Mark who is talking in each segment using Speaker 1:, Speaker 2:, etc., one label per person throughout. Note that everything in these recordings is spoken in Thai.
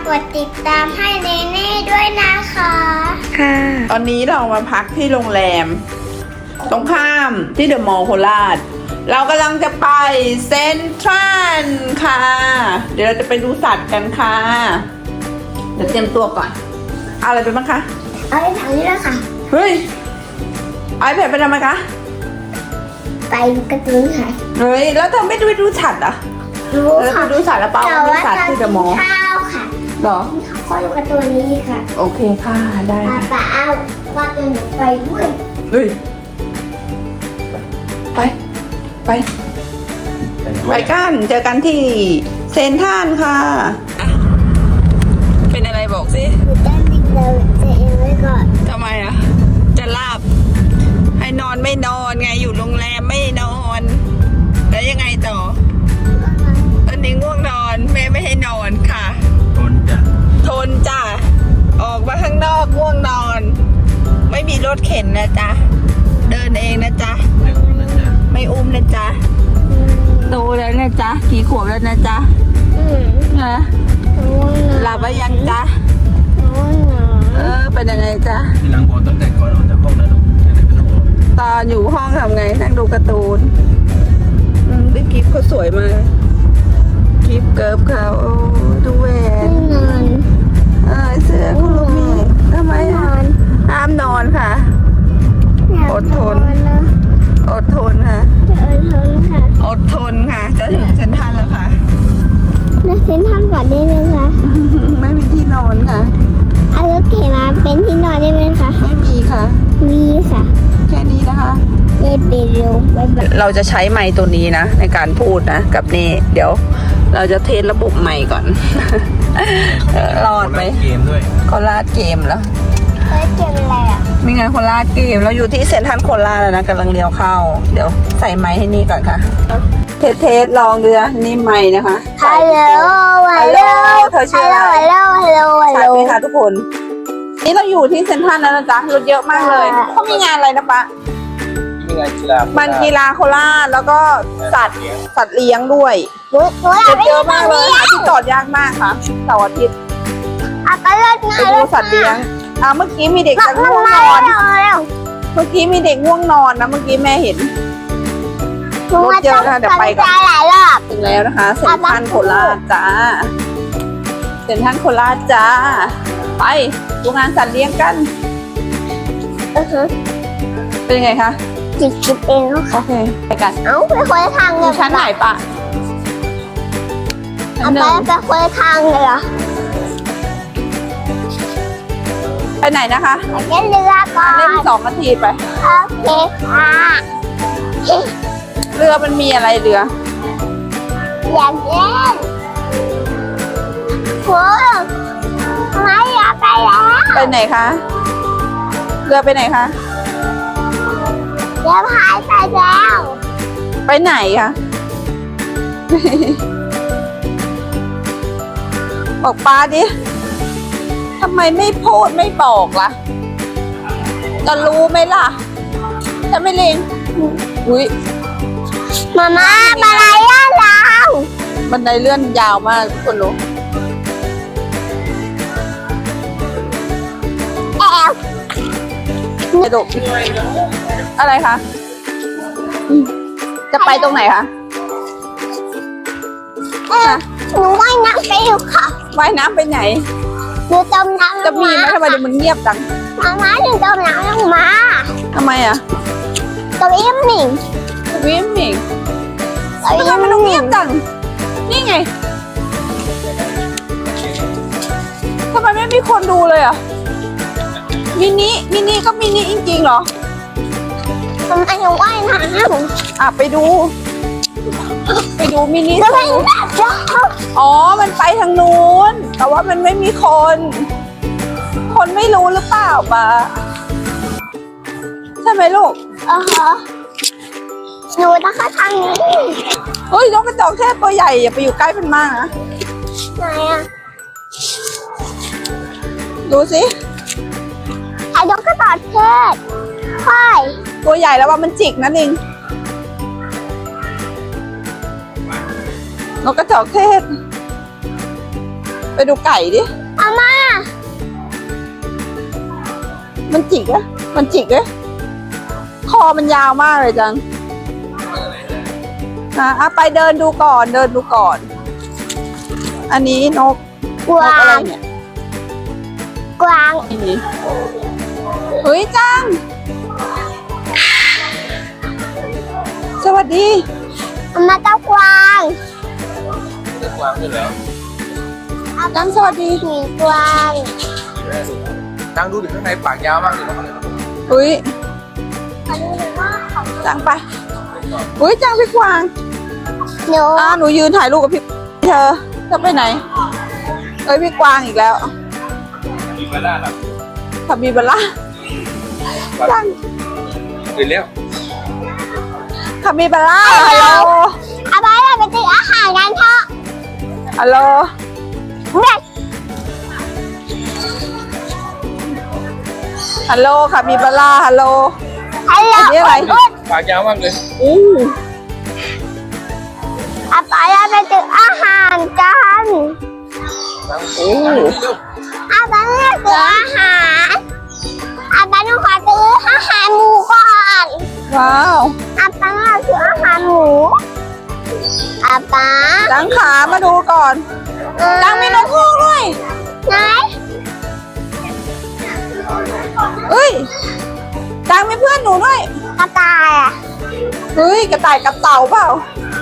Speaker 1: กดติดตามให้เนเน่ด้วยนะคะ
Speaker 2: ค่ะตอนนี้เรามาพักที่โรงแรมตรงข้ามที่เดอะมอลล์โคราชเรากำลังจะไปเซ็นทรัลค่ะเดี๋ยวเราจะไปดูสัตว์กันค่ะเดี๋ยวเตรียมตัวก่อนเอาอะไรไปบ้างคะ
Speaker 1: เอาไปถังนี้แล้วค่ะ
Speaker 2: เฮ้ยไอแพดไปทำไมคะ
Speaker 1: ไปดูการ์ตูนค่ะ
Speaker 2: เฮ้ยแล้วเธอไม่ดูสัตว์อ่ะ
Speaker 1: รู้
Speaker 2: แล้ว
Speaker 1: ค่ะ
Speaker 2: ไปดูสัตว์แล้วเปล่า
Speaker 1: แต่
Speaker 2: ดู
Speaker 1: ว่า
Speaker 2: สัตว์ที่เดอะมอลล์
Speaker 1: ข้าวค่ะ
Speaker 2: หรอ
Speaker 1: ข้าวดูการ์ตูนนี้ค่ะ
Speaker 2: โอเคค่ะได้
Speaker 1: ป้าเอาว่าจะหนูไปด้วย
Speaker 2: เฮ้ยไปกันเจอกันที่เซ็นทรัลค่ะเป็นอะไรบอกสิ
Speaker 1: หนูตั้งติ๊กเราจะเองไว้ก่อน
Speaker 2: ทำไมอ่ะจะหลับให้นอนไม่นอนไงอยู่โรงแรมไม่นอนแล้วยังไงต่อตอนนี้ง่วงนอนแม่ไม่ให้นอนค่ะทนจ้ะออกมาข้างนอกง่วงนอน ไม่มีรถเข็นนะจ๊ะเดินเองนะจ๊ะไม่อุ้มนะจ๊ะโตแล้วนะจ๊ะกี่ขวบแล้วนะจ๊ะนะหลับไปยังจ๊ะเป็นยังไงจ๊ะ
Speaker 3: ทีหลังบอกตั้งแต่ก่อนออกจากห้องนะลูกจะได้ไม่ต้องบอก
Speaker 2: ตอนอยู่ห้องทำไงนั่งดูการ์ตูนได้กิฟต์เขาสวยมากกิฟต์เกิร์ฟเขาโอ้ดูแหวนเสื้อคุณลูกมีทำไมห้ามนอนค่ะอดทนค่ะอดทนค่ะจะถึงเซ็นทรัลแล้วค่ะ
Speaker 1: แล้วเซ็นทรัลก่อนได้ไหมคะ
Speaker 2: ไม่มีที่นอนค่ะ
Speaker 1: เอารถเข็นมาเป็นที่นอนได้ไหมคะ
Speaker 2: ไม่มีค่ะ
Speaker 1: มีค่ะ
Speaker 2: แค่นี้นะคะ
Speaker 1: ได้ไปเร็วไปแบบ
Speaker 2: เราจะใช้ไมค์ตัวนี้นะในการพูดนะกับนี่เดี๋ยวเราจะเทสระบบไมค์ก่อน รอดไหม
Speaker 3: เกมด้วย
Speaker 2: โคราชเกมแล้ว
Speaker 1: เฮ้ยเกมอะไรอ่ะ
Speaker 2: มีงานโคราชเกมเราอยู่ที่เซ็นทรัลโคราชแล้วนะกำลังเลี้ยวเข้าเดี๋ยวใส่ไมค์ให้นี่ก่อนค่ะเทสลองดูนะนี่ไมค์นะคะ
Speaker 1: ฮัลโหลฮัลโหล
Speaker 2: เธอชื่ออะไร
Speaker 1: ฮัลโหลฮัลโหลฮัล
Speaker 2: ชั
Speaker 1: โห
Speaker 2: ด
Speaker 1: ล
Speaker 2: ไหมคะทุกคนนี่เราอยู่ที่เซ็นทรัลแล้วนะจ๊ะรถเยอะมากเลยเขามีงานอะไรนะปะ
Speaker 3: มีงานกีฬา
Speaker 2: มันกีฬาโคราชแล้วก็สัตว์เลี้ยงด้วย
Speaker 1: หนูอยากไป
Speaker 2: เย
Speaker 1: ดู
Speaker 2: อะมากเลยหาที่จอดยากมากค่ะเสาร์อาทิตย์
Speaker 1: อ่ะไปรถ
Speaker 2: ไปดูสัตว์เลี้ยงเมื่อกี้มีเด็กจะง่วงนอน เมื่อกี้มีเด็กง่วงนอนนะเมื่อกี้แม่เห็น รถเยอะนะเดี๋ยวไปก่อน
Speaker 1: หลายรอบ
Speaker 2: ถึงแล้วนะคะเซ็นทรัลโคราชจ้าเซ็นทรัลโคราชจ้าไปดูงานสัตว์เลี้ยงกันเป็นยังไงคะ
Speaker 1: จิบเองแล้ว
Speaker 2: โอเคไปกัน
Speaker 1: เอ้าไปคนละทางเล
Speaker 2: ดู
Speaker 1: ย
Speaker 2: ชั้นไหนปะชั้นหนึ่ง
Speaker 1: ไปคนละทางเลยเหรอ
Speaker 2: ไปไหนนะคะ
Speaker 1: ไปเล่นเรือก่อน
Speaker 2: เล่น2 นาทีไป
Speaker 1: โอเคค่ะ
Speaker 2: เรือมันมีอะไรเรือ
Speaker 1: อยากเล่นโหไม่อยากไปแล้ว
Speaker 2: ไปไหนคะเรือไปไหนคะ
Speaker 1: เดี๋ยวพายไปแล้ว
Speaker 2: ไปไหนคะบอกป้าดิทำไมไม่พูดไม่บอกล่ะจะรู้ไหมล่ะจะไม่เล็งอุ้ย
Speaker 1: มาม่าอะไรอ่ะเรา
Speaker 2: บันไดเลื่อนยาวมากทุกคนรู้
Speaker 1: แอบ
Speaker 2: กระโดดอะไรคะจะไปตรงไหนคะ
Speaker 1: หนูว่ายน้ำไปอยู่ค่ะ
Speaker 2: ว่ายน้ำไปไหน
Speaker 1: หนูจมน้ำล
Speaker 2: จะ
Speaker 1: ง
Speaker 2: มี
Speaker 1: มา
Speaker 2: ไหมทำไมเดี๋ยวมันเงียบจัง
Speaker 1: มาม่าหนูจมน้ำลงมา
Speaker 2: ทำไมอ่ะ
Speaker 1: ตัวอิ่มหนิง
Speaker 2: วิมมิงทำไมมันต้องเงียบจังนี่ไงทำไมไม่มีคนดูเลยอ่ะมินิก็มินิจริงๆเหรอ
Speaker 1: ทำไมหนูว่ายน้ำ
Speaker 2: ไปดูมินิ
Speaker 1: จะไปไหนจ๊ะ
Speaker 2: อ๋อมันไปทางนู้นแต่ว่ามันไม่มีคนไม่รู้หรือเปล่าปะใช่ไหมลูก
Speaker 1: หนูนะคะทางนี้
Speaker 2: เฮ้ยนกกระจอกเทศตัวใหญ่อย่าไปอยู่ใกล้มันมากนะ
Speaker 1: ไหนอ่ะ
Speaker 2: ดูสิ
Speaker 1: ไอ้นกกระต่ายเทศใช่
Speaker 2: ตัวใหญ่แล้วว่ามันจิกนั่นเองนกกระจอกเทศไปดูไก่ดิ
Speaker 1: อาม่า
Speaker 2: มันจิกอะมันจิกอะคอมันยาวมากเลยจังนะไปเดินดูก่อน เดินดูก่อน อันนี้นก
Speaker 1: กวาน
Speaker 2: กอะไร
Speaker 1: ง
Speaker 2: เนี่ย
Speaker 1: กวาง
Speaker 2: นี่เฮ้ยจัง สวัสดี
Speaker 1: อาม่าเจ้ากวาง
Speaker 3: จะกวางด้วยเหรอ
Speaker 2: จังสวัสดี
Speaker 1: หมีกวาง
Speaker 3: นั่งดูดิข้างในปากยาวมากเลยนะ
Speaker 2: เฮ้ย
Speaker 1: ขอดูหน่อยว่าเขา
Speaker 2: จังไปเฮ้ยจังพี่กวาง
Speaker 1: หนู
Speaker 2: หนูยืนถ่ายรูปกับพี่เธอจะไปไหนเอ้ยพี่กวางอีกแล้ว
Speaker 3: มีมาล่าครับ
Speaker 2: คาบิบาร่าจัง
Speaker 3: ตื่นแล้ว
Speaker 2: คาบิบาร่าฮัลโหล
Speaker 1: เอาไปเราไปซื้ออาหารกันเถอะ
Speaker 2: ฮัลโหล
Speaker 1: เด็ก
Speaker 2: ฮัลโหลคาบิบาร่าฮัลโหล
Speaker 1: ฮัลโหล
Speaker 2: อันนี้อะไร
Speaker 3: ปากยาวมากเลย
Speaker 2: อู้
Speaker 1: เอาไปเราไปซื้ออาหารกัน
Speaker 3: นั่งโอ้เร็ว
Speaker 1: เอาไปเราซื้ออาหารเอาไปหนูขอซื้ออาหารหมูก่อน
Speaker 2: ว้าว
Speaker 1: เอาไปเราซื้ออาหารหมูเอาไป
Speaker 2: จังขามาดูก่อนจังมีนกฮูกด้วย
Speaker 1: ไหน
Speaker 2: เฮ้ยจังมีเพื่อนหนูด้วย
Speaker 1: กระต่ายอ่ะ
Speaker 2: เฮ้ยกระต่ายกับเต่าเปล่า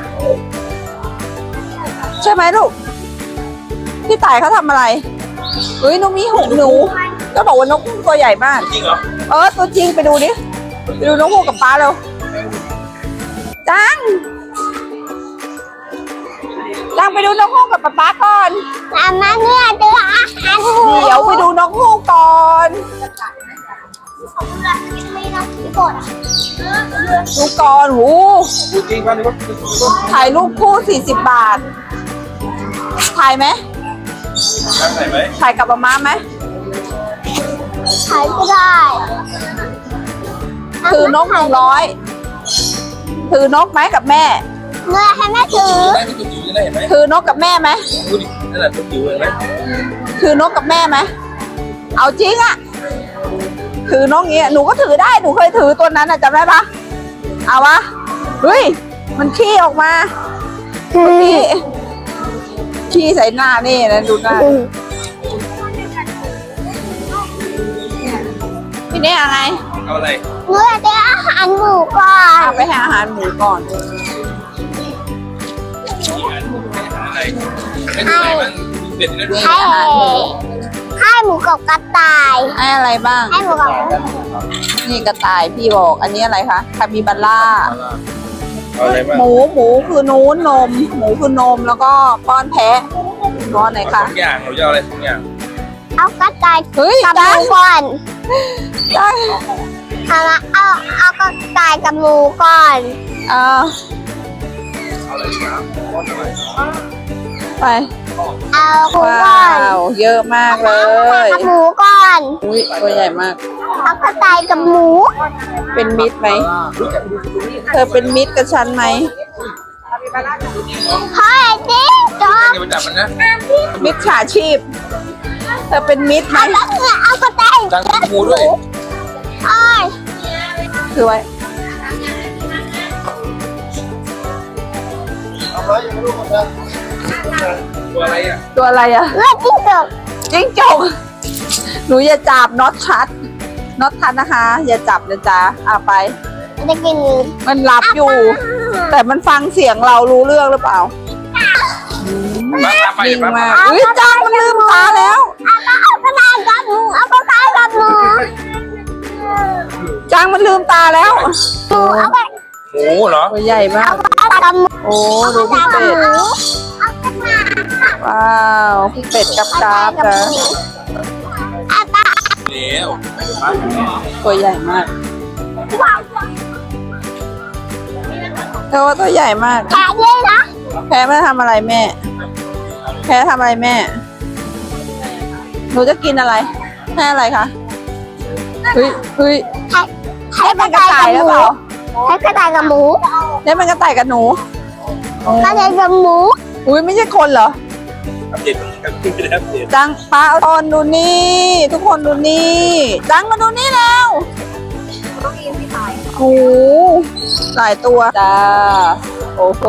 Speaker 2: ใช่ไหมลูกพี่ต่ายเขาทำอะไรเฮ้ยนกมีหูหนูก็บอกว่านกฮูกตัวใหญ่มาก
Speaker 3: จริงเหรอ
Speaker 2: ตัวจริงไปดูดิไปดูนกฮูกกับป้าเร็วจังไปดูนกฮูกกับป๊าก่อน
Speaker 1: อามาเนี่ยซื้ออาหารหมู
Speaker 2: เดี๋ยวไปดูนกฮูกก่อน
Speaker 1: ไม่ต้องกด
Speaker 2: ดูก่อนหู
Speaker 3: ดูจริงป่ะนี่ว่า
Speaker 2: ถ่ายรูปคู่40 บาทถ่ายไหม
Speaker 3: นั่งไหนไหม
Speaker 2: ถ่ายกับป๊าไหม
Speaker 1: ใช้ก็ได้
Speaker 2: ถือนก100ถือนกไหมกับแม่
Speaker 1: เมื่อให้แม่ถือ
Speaker 3: ได้ที่ตัวจิ๋วจะได้เห็นไหม
Speaker 2: ถือนกกับแม่ไหม
Speaker 3: ดูดินั่นแหละตัวจิ๋วเห็นไหม
Speaker 2: ถือนกกับแม่ไหมเอาจริงอะถือนกเงี้ยหนูก็ถือได้หนูเคยถือตัวนั้นอะจำได้ปะเอาวะเฮ้ยมันขี้ออกมาขี้ใส่หน้านี่นะดูหน้าพี่เนี่ยอะไร
Speaker 3: เอาอะไร
Speaker 1: เมื่อซื้ออาหารหมูก่อน
Speaker 2: ไปหาอาหารหมูก่อน
Speaker 3: อะไรไม่ดูไหนมันเป็ดนะดู
Speaker 1: ให้หมูกับกระต่าย
Speaker 2: ให้อะไรบ้าง
Speaker 1: ให้หมูกับ
Speaker 2: นี่กระต่ายพี่บอกอันนี้อะไรคะคาบิบาร่า
Speaker 3: เอาอะไรบ้าง
Speaker 2: หมูคือนู้นนม หมูคือนมแล้วก็ป้อนแพะป้อนไหน
Speaker 3: เอา
Speaker 2: คะ
Speaker 3: 2 อย่างเราจะเอาอะไร2 อย่าง
Speaker 1: เอากระต่าย
Speaker 2: เฮ้ย
Speaker 1: กับห
Speaker 2: ได้
Speaker 1: มูก่อน
Speaker 2: ได้
Speaker 1: เอากระต่ายกับหมูก่อน
Speaker 2: อ่า
Speaker 3: เอาอะไรครับ
Speaker 2: ไป
Speaker 1: เอาหมู
Speaker 2: ว้
Speaker 1: ก่อน
Speaker 2: าวเยอะมากเลย
Speaker 1: กับหมูก่อน
Speaker 2: อุ้ยตัวใหญ่มาก
Speaker 1: เอากระต่ายกับหมู
Speaker 2: เป็นมิตรไหมเธอเป็นมิตรกับฉันไหม
Speaker 1: เฮ้ยจิ๊กจอ
Speaker 3: อย่าไปจับมันนะ
Speaker 2: มิตรฉาชีพ เธอเป็นมิตรไหม
Speaker 1: เอาแล้วเนี่ยเอากระต่าย
Speaker 3: ดังหมูด้วย
Speaker 1: เอ้ย
Speaker 2: คือไว้
Speaker 3: เอาไว้ยังไม่รู้นะตัวอะไรอ่ะ
Speaker 2: ตัวอะไรอะ
Speaker 1: เลือดจิ้งจก
Speaker 2: จิ้งจกหนูอย่าจับน็อตชัดน็อตทันนะคะ อย่าจับนะจ๊ะไป
Speaker 1: จะกิน
Speaker 2: มันหลับอยู่ แต่มันฟังเสียงเรารู้เรื่องหรือเปล่า
Speaker 3: มาไป
Speaker 2: นิ่ง
Speaker 3: มา
Speaker 2: มากเฮ้ยจ้างมันลืมตาแล้ว
Speaker 1: เอากระต่ายกับหมูเอากระต่ายกับหมู
Speaker 2: จ้างมันลืมตาแล้ว
Speaker 1: หมูเอาไป
Speaker 3: หมูเหรอ
Speaker 2: ตัวใหญ่มาก
Speaker 1: เอากระต่ายกับหมู
Speaker 2: โอ้ดูพี่เป็ด
Speaker 1: เอากระต่าย
Speaker 2: ว้าวพี่เป็ดกับกราฟนะ
Speaker 1: เอากระต่าย
Speaker 3: แล้ว
Speaker 2: ตัวใหญ่มากเธอว่าตัวใหญ่มาก
Speaker 1: แขกเลยนะ
Speaker 2: แพ้ไม่ทำอะไรแม่ แพ้ทำอะไรแม่ หนูจะกินอะไรให้อะไรคะเฮ้ย
Speaker 1: ให้
Speaker 2: ได้เป็นกระต่ายหรือเปล่า
Speaker 1: ให้กระต่ายกับหมู
Speaker 2: ได้เป็นกระต่ายกับหนู
Speaker 1: กระต่ายกับหมู
Speaker 2: อุ้ยไม่ใช่คนเหรอ
Speaker 3: อัปเดตกันไม่ได้อัปเดต
Speaker 2: จังปลาตอนดูนี่ ทุกคนดูนี่จังมาดูนี่แล้วโอ้โหหลายตัวจ้าโอ้โห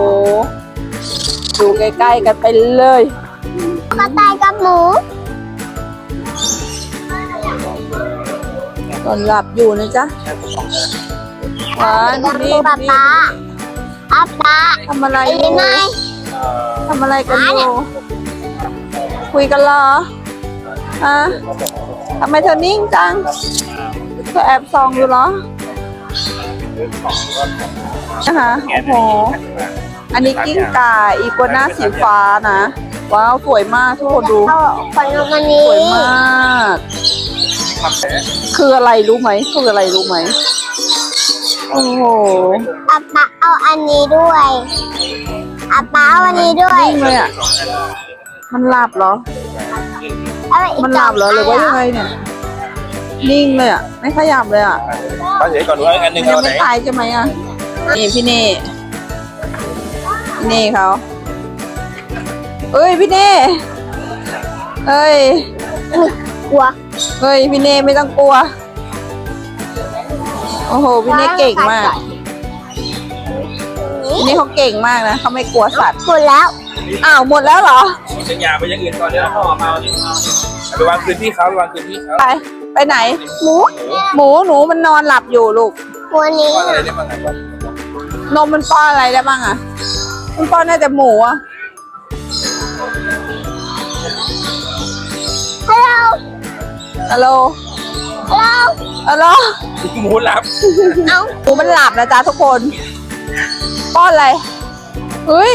Speaker 2: ดูใกล้ๆกันไปเลย
Speaker 1: กระต่ายกับหมู
Speaker 2: ตอนหลับอยู่นะจ๊ะหวาน
Speaker 1: กับ
Speaker 2: นี่
Speaker 1: ป๊า
Speaker 2: นี่
Speaker 1: ป๊าอาป๊า
Speaker 2: ทำอะไรอ
Speaker 1: ยั
Speaker 2: ยู่
Speaker 1: งไง
Speaker 2: ทำอะไรกันอยู่คุยกันเหรอฮะทำไมเธอนิ่งจังเธอแอบส่องอยู่เหรอนะคะโอ้โหอันนี้กิ้งก่าอีกัวน่าสีฟ้านะว้าวสวยมากทุกคนดู
Speaker 1: เอาขนมอัน
Speaker 2: ส
Speaker 1: นี้
Speaker 2: วยมาก
Speaker 3: ทำแผล
Speaker 2: คืออะไรรู้ไหมคืออะไรรู้ไหมโอ้โห
Speaker 1: อาป๊าเอาอันนี้ด้วยอาป๊าเอาอันนี้ด้วย
Speaker 2: นิ่งเลยอ่ะมันหลับเหรอ
Speaker 1: เอาไปอีก
Speaker 2: มันหลับเหรอหรือว่ายังไงเนี่ยนิ่งเลยอ่ะไม่ขยับเลยอ่ะ
Speaker 3: ป้าเฉยก่อนว่าอันหนึ่ง
Speaker 2: มันยั
Speaker 3: เอา
Speaker 2: ง
Speaker 3: ไหน
Speaker 2: ไม่ตายใช่ไหมอ่ะนี่พี่เน่พี่เน่เขาเอ้ยพี่เน่เอ้ย
Speaker 1: กลัว
Speaker 2: เฮ้ยพี่เน่ไม่ต้องกลัวโอ้โหพี่เน่เก่งมากพี่เน่เขาเก่งมากนะเขาไม่กลัวสัตว์
Speaker 1: หมดแล้ว
Speaker 2: อ้าวหมดแล้วเหรอ
Speaker 3: เส้นยาไปยังอื่นก่อนเดี๋ยวพ่อมาเอานี่ไปวางคืนที่เขาไปวางคืนที่เขา
Speaker 2: ไปไหน
Speaker 1: หมู
Speaker 2: หนูมันนอนหลับอยู่ลูก
Speaker 1: ตัวนี้
Speaker 3: ป้าอะไรได้บ้างไหนบ้าง
Speaker 2: นมมันป้อนอะไรได้บ้างอ่ะมันป้อนน่าจะหมูอ่ะ
Speaker 1: ฮัลโหล
Speaker 2: ฮัลโหลฮัลโหล
Speaker 3: หมูหลับ
Speaker 1: เอา
Speaker 2: หมูมันหลับนะจ๊ะทุกคน ป้อนอะไรเฮ้ย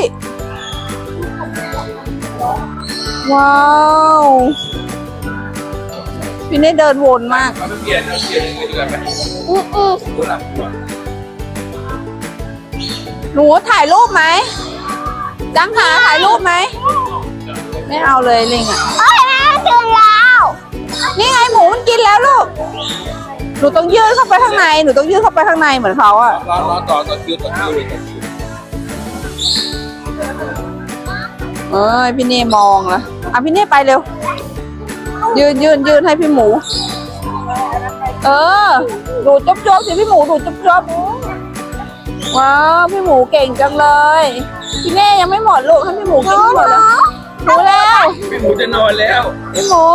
Speaker 2: ว้าวพี่เน่เดินวนมาก
Speaker 3: เอาไปเปลี่ยนเอาเปลี่ยนไปดูกันไหม
Speaker 1: อืม
Speaker 3: หมูหลับ
Speaker 2: หนูถ่ายรูปไหมจังหาถ่ายรูปไหมไม่เอาเลยลิงอ่ะ
Speaker 1: โอ้ยแม่ถึงแล้ว
Speaker 2: นี่ไงหมูมันกินแล้วลูกหนูต้องยื่นเข้าไปข้างในหนูต้องยื่นเข้าไปข้างในเหมือนเขาอ่ะ
Speaker 3: รอต่อคิวเลย
Speaker 2: เอ้ยพี่เน่มองละอ่ะพี่เน่ไปเร็วยืนให้พี่หมู เออดูดจบสิพี่หมูดูดจบว้าวพี่หมูเก่งจังเลยพี่เน่ยังไม่หมดลูกให้พี่หมูกินให้หมดเลยหมูแล้ว
Speaker 3: พี่หมูจะนอนแล้ว
Speaker 2: พี่หมู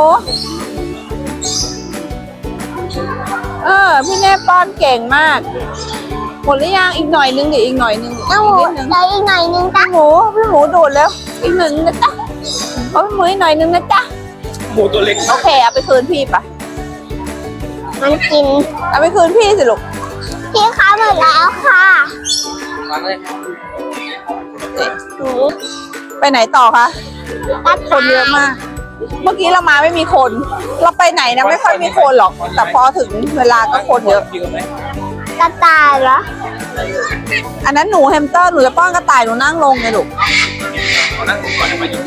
Speaker 2: พี่เน่ป้อนเก่งมากหมดหรือยังอีกหน่อยนึงดิอีกหน่อยนึง
Speaker 1: เอาหมูเดี๋ยวอีกหน่อยนึงจ้ะ
Speaker 2: พี่หมูดูดแล้วอีกหนึ่งนะจ๊ะเอาพี่หมูอีกหน่อยนึงนะจ๊ะ
Speaker 3: หมูตัวเล็ก
Speaker 2: โอเคเอาไปคืนพี่ปะ
Speaker 1: มันกิน
Speaker 2: เอาไปคืนพี่สิลูก
Speaker 1: พี่คะหมดแล้วค่ะ
Speaker 3: มาเลย
Speaker 2: ไปไหนต่อคะ
Speaker 1: กระ
Speaker 2: คนเยอะมาก เมื่อกี้เรามาไม่มีคน เราไปไหนนะไม่ค่อยมีคนหรอก แต่พอถึงเวลาก็คนเยอะ
Speaker 3: คิวไหม
Speaker 1: กระต่ายเหรอ
Speaker 2: อันนั้นหนูแฮมสเตอร์หนูจะป้อนกระต่ายหนูนั่งลงไงลูก
Speaker 3: นั่งก่อนมาอยู่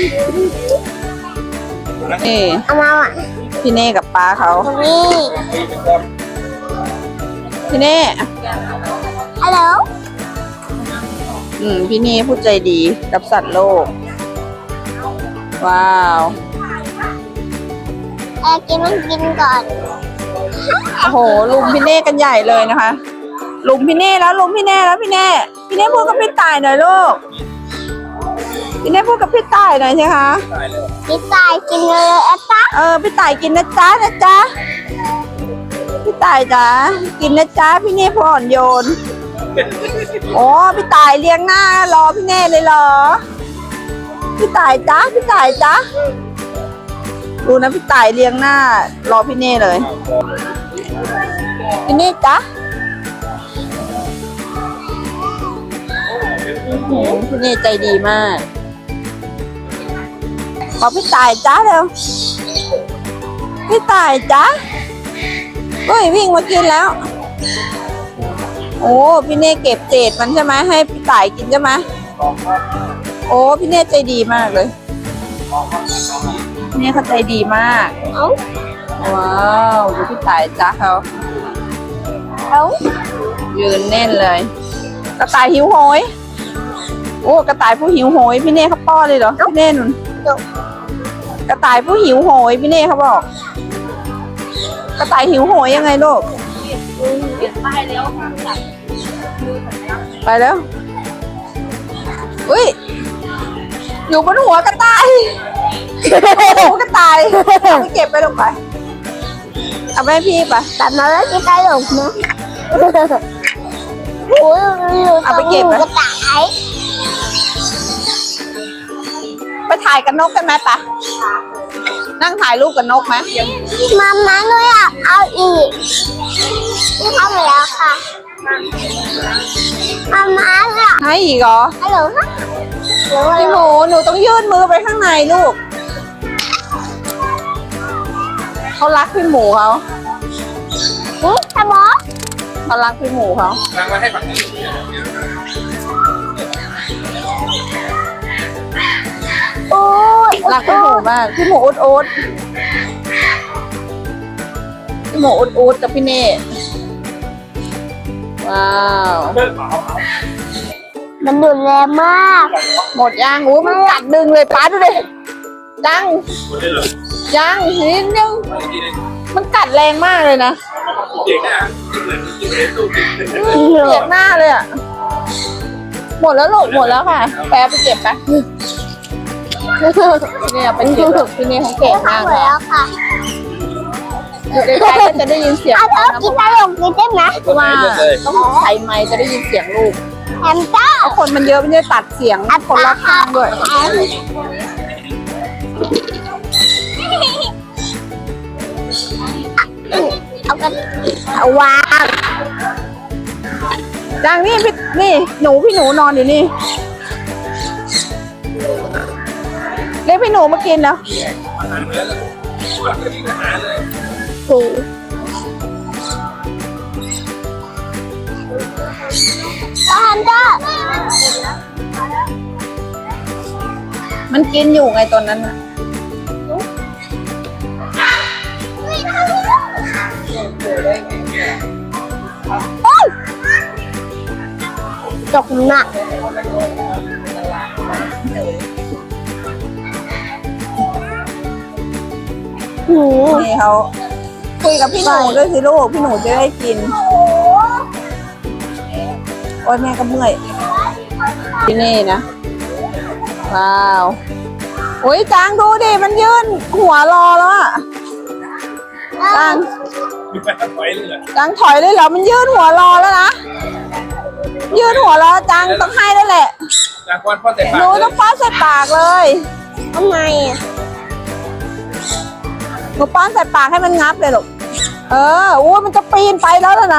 Speaker 2: นี่
Speaker 1: เอามาอ่ะ
Speaker 2: พี่เน่กับป้าเขา
Speaker 1: ตรงนี้
Speaker 2: พี่เน่
Speaker 1: ฮัลโหล
Speaker 2: พี่เน่พูดใจดีกับสัตว์โลก ว้าว
Speaker 1: กินมันกินก่อน
Speaker 2: โอ้โหลุมพี่เน่กันใหญ่เลยนะคะลุมพี่เน่แล้วลุมพี่เน่แล้วพี่เน่พูดกับพี่ต่ายหน่อยลูกพี่เน่พูดกับพี่ต่ายหน่อยใช่คะ
Speaker 3: ตายแล้ว
Speaker 1: พี่ตายกินเลยอะจ๊ะ
Speaker 2: พี่ต่ายกินนะจ๊ะพี่ต่ายจ๋ากินนะจ๊ะพี่เน่ผ่อนโยนโอ้พี่ต่ายเลี้ยงหน้ารอพี่เน่เลยเหรอพี่ต่ายจ๊ะดูนะพี่ต่ายเลี้ยงหน้ารอพี่เน่เลยพี่เน่จ๊ะพี่เน่ใจดีมากขอพี่ต่ายจ๊ะเร็วพี่ต่ายจ๊ะเฮ้ยวิ่งมากินแล้วโอ้พี่เน่เก็บเศษมันใช่ไหมให้พี่ต่ายกินใช่ไหมโอ้พี่เน่ใจดีมากเลยพี่เน่เขาใจดีมาก
Speaker 1: เอ้า
Speaker 2: ว้าวดูพี่ต่ายจ๊ะเขา
Speaker 1: เอ้า
Speaker 2: ยืนแน่นเลยกระต่ายหิวโหยโอ้กระต่ายผู้หิวโหยพี่เน่เขาป้อนเลยเหรอพี่เน่นุ่นกระต่ายผู้หิวโหยพี่เน่เขาบอกกระต่ายหิวโหยยังไงลูกไปแล้วอุ้ยอยู่บนหัวกระต่ายหัวกระต่ายเอาไปเก็บไปลงไปเอาไปให้พี่ไป
Speaker 1: แต่มาแล้วที่ตลกนะโอ้ย
Speaker 2: เอาไปเก็บ
Speaker 1: กระต่าย
Speaker 2: ไปถ่ายกับนกกันไหมปะนั่งถ่ายรูปกับนกไหม
Speaker 1: มาหนูอยากเอาอีกนี่เข้ามาแล้วค่ะมาเนี่ย
Speaker 2: ให้อีกเหรอ
Speaker 1: ฮัลโหลค่ะเดี๋ยว
Speaker 2: พี่หมูหนูต้องยื่นมือไปข้างในลูกเขารักพี่หมูเขา
Speaker 1: นี่สมอ
Speaker 2: เขารักพี่หมูเขา
Speaker 3: นั่งมาให้ฝั่งนี้
Speaker 1: โอ้ย
Speaker 2: รักพี่หมูมากพี่หมูอุดอุดพี่หมูอุดอุดกับพี่เน่ว้าว
Speaker 3: เลิกเปล่า
Speaker 1: มันดุแรงมาก
Speaker 2: หมดย่างอู้มันกัดดึงเลยป้าดูดิยัง
Speaker 3: หมดเลยเหรอ
Speaker 2: ยังนิดนึง
Speaker 3: ไปทีนึง
Speaker 2: มันกัดแรงมากเลยนะ
Speaker 3: เด็กนะเหมือนกินเอสู้กิน
Speaker 2: เจ็บหน้าเลยอ่ะหมดแล้วลูกหมดแล้วค่ะแปรไปเก็บไปเนี่ยไปเก็บพี่เน่ของเก่ง
Speaker 1: เข้าม
Speaker 2: าก
Speaker 1: มา
Speaker 2: เลย
Speaker 1: แล้วค่ะ
Speaker 2: อยู่ใกล้ๆก็จะได้ยินเสียง
Speaker 1: เอาเธอกินตลกกินได้ไหม
Speaker 2: เพราะว่าต้องใช้ไมค์จะได้ยินเสียงลูก
Speaker 1: แฮมเตอร์
Speaker 2: เพราะคนมันเยอะไม่ได้ตัดเสียงคนรอบข้างด้วย
Speaker 1: เอากันเอาวาง
Speaker 2: จังนี่พี่นี่พี่หนูนอนอยู่นี่เรียกพี่หนูมากินแล้ว
Speaker 1: ถู แฮมเตอร์
Speaker 2: มันกินอยู่ไงตอนนั้นน่ะ
Speaker 1: จกหนักหู
Speaker 2: นี่เขาคุยกับพี่หนูด้วยสิลูกพี่หนูจะได้กินโอ้ยแม่ก็เมื่อยที่นี่นะว้าวโอ้ยจางดูดิมันยื่นหัวรอแล้วอะจาง
Speaker 3: มีแฟนไว้เลย
Speaker 2: จางถอยเลยเหรอมันยื่นหัวรอแล้วนะยื่นหัวรอจางต้องให้แล้วแหละ
Speaker 3: จากวันพ่อแต่
Speaker 2: หนูต้องป้อนใส่ปากเลย
Speaker 1: ทำไมอ่ะ
Speaker 2: หนูป้อนใส่ปากให้มันงับเลยลูกอู้มันจะปีนไปแล้วนะ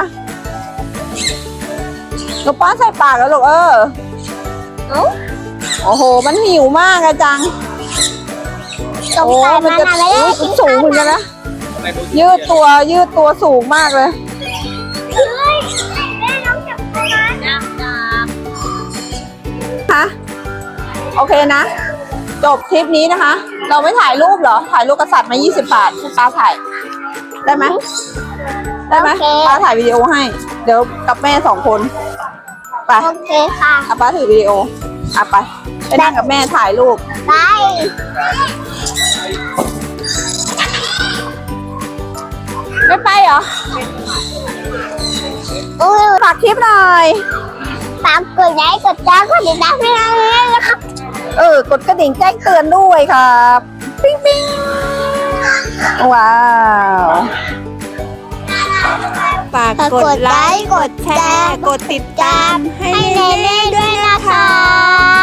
Speaker 2: หนูป้อนใส่ปากแล้วลูกโอ้โหมันหิวมากอะจัง
Speaker 1: สงสัยมันอะไม่ได้
Speaker 2: มั
Speaker 1: กิน
Speaker 2: สูงเหมือนกันนะยืดตัวสูงมากเลย
Speaker 1: เฮ้ยแม่น้องจับตัวนะจับ
Speaker 2: ฮะโอเคนะ จบคลิปนี้นะคะ เราไม่ถ่ายรูปเหรอ ถ่ายรูปกษัตริย์มา20 บาทป้าถ่าย ได้ไหมได้ไหมป้าถ่ายวิดีโอให้ เดี๋ยวกับแม่2 คนไป
Speaker 1: โอเคค่ะ
Speaker 2: ป้าถือวิดีโอไปนั่งกับแม่ถ่ายรูป
Speaker 1: ไป
Speaker 2: ไม่ไปเหรอ ฝากคลิปหน่อย
Speaker 1: ฝากกดไลค์กดแชร์กดติดตามให้เราด้วยนะครับ
Speaker 2: กดกระดิ่งแจ้งเตือนด้วยครับปิ๊งปิ๊งว้าวฝากกดไลค์ กดแชร์ กดติดตามให้เน่ๆด้วยนะคะ